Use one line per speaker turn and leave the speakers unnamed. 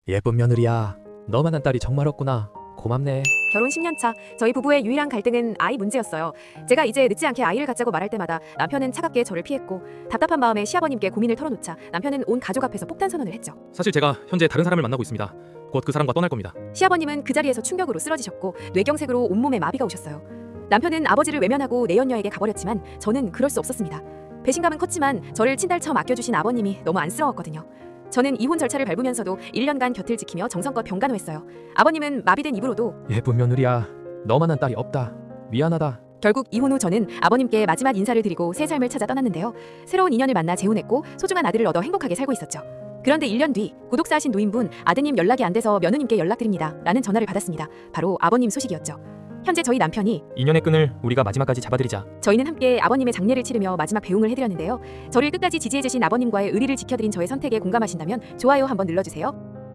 예쁜 며느리야. 너만한 딸이 정말 없구나. 고맙네.
결혼 10년 차, 저희 부부의 유일한 갈등은 아이 문제였어요. 제가 이제 늦지 않게 아이를 갖자고 말할 때마다 남편은 차갑게 저를 피했고, 답답한 마음에 시아버님께 고민을 털어놓자 남편은 온 가족 앞에서 폭탄 선언을 했죠.
사실 제가 현재 다른 사람을 만나고 있습니다. 곧 그 사람과 떠날 겁니다.
시아버님은 그 자리에서 충격으로 쓰러지셨고 뇌경색으로 온몸에 마비가 오셨어요. 남편은 아버지를 외면하고 내연녀에게 가버렸지만 저는 그럴 수 없었습니다. 배신감은 컸지만 저를 친달처 맡겨주신 아버님이 너무 안쓰러웠거든요. 저는 이혼 절차를 밟으면서도 1년간 곁을 지키며 정성껏 병간호했어요. 아버님은 마비된 입으로도
예쁜 며느리야. 너만한 딸이 없다. 미안하다.
결국 이혼 후 저는 아버님께 마지막 인사를 드리고 새 삶을 찾아 떠났는데요. 새로운 인연을 만나 재혼했고 소중한 아들을 얻어 행복하게 살고 있었죠. 그런데 1년 뒤 구독사하신 노인분, 아드님 연락이 안 돼서 며느님께 연락드립니다 라는 전화를 받았습니다. 바로 아버님 소식이었죠. 현재 저희 남편이
인연의 끈을 우리가 마지막까지 잡아드리자.
저희는 함께 아버님의 장례를 치르며 마지막 배웅을 해드렸는데요. 저를 끝까지 지지해주신 아버님과의 의리를 지켜드린 저의 선택에 공감하신다면 좋아요 한번 눌러주세요.